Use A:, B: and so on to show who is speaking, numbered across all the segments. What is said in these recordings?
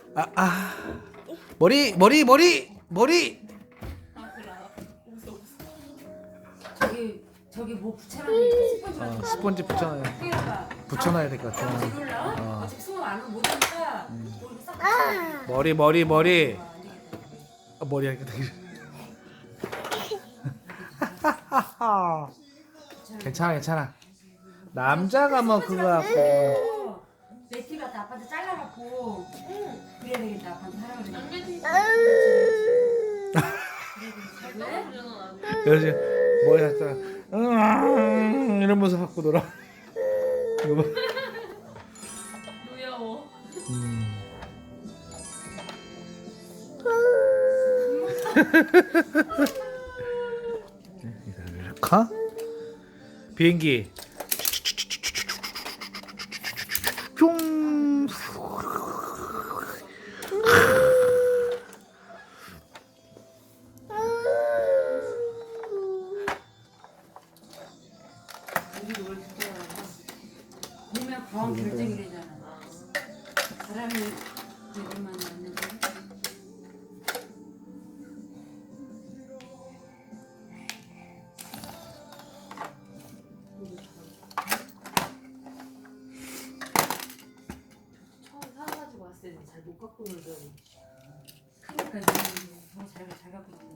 A: 머리 머리 머리 머리.
B: 아 그래 알아. 웃어 웃어.
C: 저기 뭐 붙여놨는데 스펀지 같은 거.
A: 스펀지 붙여놔야 될 것 같아.
C: 아버지 이리 올라와?
A: 어.
C: 어차피 수업 안 하면 못하니까 이렇게 싹 붙여.
A: 머리 머리 머리.
C: 안 되겠다.
A: 머리 하니까 되게. 괜찮아 괜찮아. 남자가 뭐 그거 갖고.
C: 내 TV한테 아빠한테 잘라갖고 그래야 되겠다. 아빠한테 하라고 그래.
B: 남자 TV
C: 왜?
B: 잘나오려나
A: 그래서 머리 갖다 이러면서 갖고 놀아. 이거 봐.
B: 노여워.
A: 가? 비행기. 뿅.
C: 우리도 뭘 듣잖아. 보면 과학 결정이래잖아. 사람이 되기만 하는데.
B: 처음 사가지고 왔을 때 잘 못 갖고 놀더니.
C: 그러니까 더잘 갖고 있는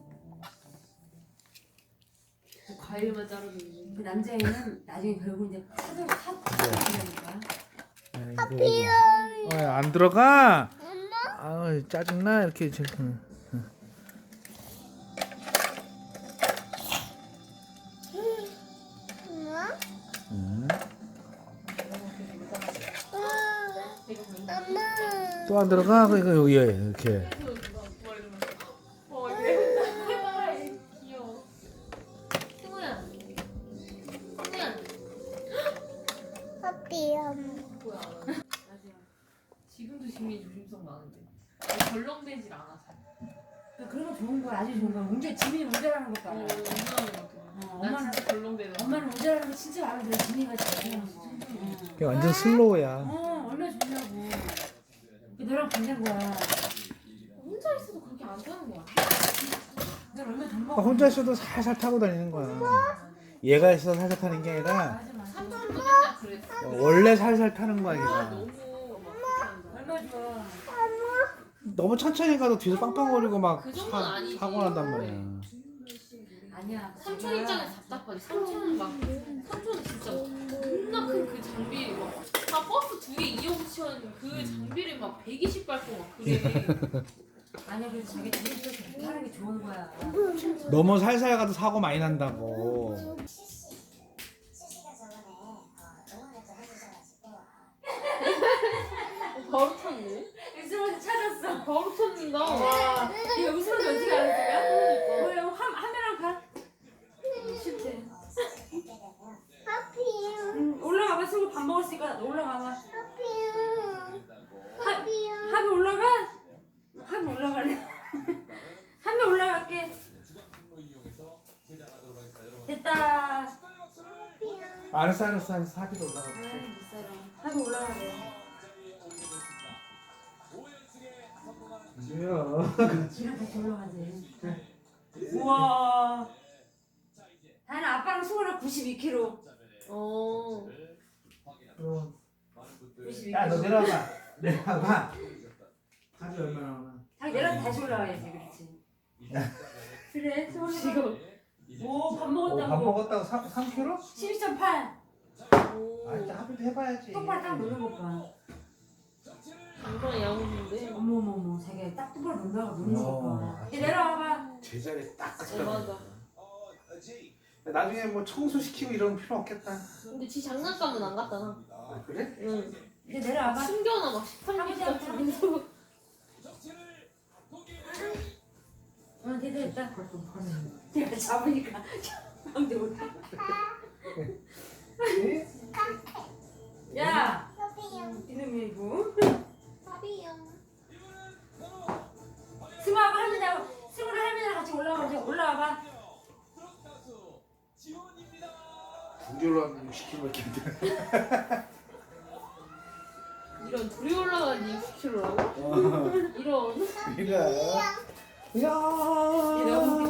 B: 과일만 자르고 있는.
C: 그 남자애는 나중에 결국 이제 사들라니까.
A: 안 들어가. 아 짜증나 이렇게 지금. 또 안 들어가. 그러니까 여기에 이렇게.
B: 귀여워. 승우야. 승우야. 뭐야? 지금도 지민이 조심성 많은데. 덜렁대질 않아서.
C: 그런 거 좋은 거야. 아주 좋은 거야. 문제 지민이 운전하는 것 봐.
B: 엄마는 같아. 난
C: 엄마는
B: 진짜 덜렁대는.
C: 엄마는 운전하는 거 진짜 마음에 들어. 지민이가 잘하는 거.
A: 그게 완전 슬로우야.
C: 얼마나 좋냐고. 너랑 반대인 거야.
B: 혼자 있어도 그렇게 안 타는 거야.
C: 너 얼마나 돈 먹어.
A: 혼자 있어도 살살 타고 다니는 거야. 얘가 있어서 살살 타는 게 아니라
C: 맞아 맞아.
B: 삼촌도 맨날 그랬어.
A: 원래 살살 타는 거야 얘가.
B: 너무 막
C: 얼마나 좋아.
A: 너무 천천히 가도 뒤에서 빵빵거리고 막
B: 그 정도는 아니지.
A: 사고 난단 말이야.
C: 아니야.
B: 삼촌 입장에서 답답하지. 삼촌은 삼촌은 진짜 겁나 큰 그 장비 다 버스 두 개 이어붙이는 그 장비를 막 120 밟고 막 그래.
C: 아니야. 그래서 자기 집에서 하는 게 좋은 거야.
A: 너무 살살 가도 사고 많이 난다고.
B: 바로 탔네.
C: 웃으면서 찾았어.
B: 바로 탔는다.
C: 와. 이거 웃으면서 어떻게 알았을까?
B: 그러니까.
C: 뭐야? 화면랑 가. 싫대. 올라가봐. 친구 밥 먹었으니까 올라가봐. 합이 올라가? 합이 올라갈래? 합이 올라갈게. 됐다.
A: 알았어 합의도 올라가.
C: 합이 올라가래.
A: 뭐야?
C: 지랑 같이 올라가지. 우와. 다는 아빠랑 승우랑 92kg.
B: 어.
C: 92kg.
A: 야너 내려와봐. 내려와봐. 합이 얼마나 오나?
C: 자기 내려서 다시 올라가야지. 그렇지. 그래. 승우
B: 지금.
C: 오, 밥
A: 밥
C: 먹었다고.
A: 먹었다고 3kg?
C: 12.8.
A: 아 일단 합의도 해봐야지.
C: 똑바로 딱 놓는 것 봐.
B: 이거랑 야무진데.
C: 어머머머. 자기가 딱 똑바로 놓는 것 봐.
A: 어.
C: 이제 내려와봐.
A: 제자리에 딱
B: 맞아.
A: 나중에 뭐 청소시키고 이런 필요 없겠다.
B: 근데 지 장난감은 안 갖다 놔.
A: 아, 그래?
B: 응.
C: 이제 내려와봐.
B: 숨겨놔 막 13개 같은 거.
C: 됐다. 내가 잡으니까 방대 올라. 야, 이놈이 이거. 승우하고 할머니하고 승우랑 할머니랑 같이 올라와봐.
A: 중졸로 하면 60kg밖에 안 돼.
B: 이런 둘이 올라가니 60kg라고? 이런.
A: 이거. 야.
C: 너무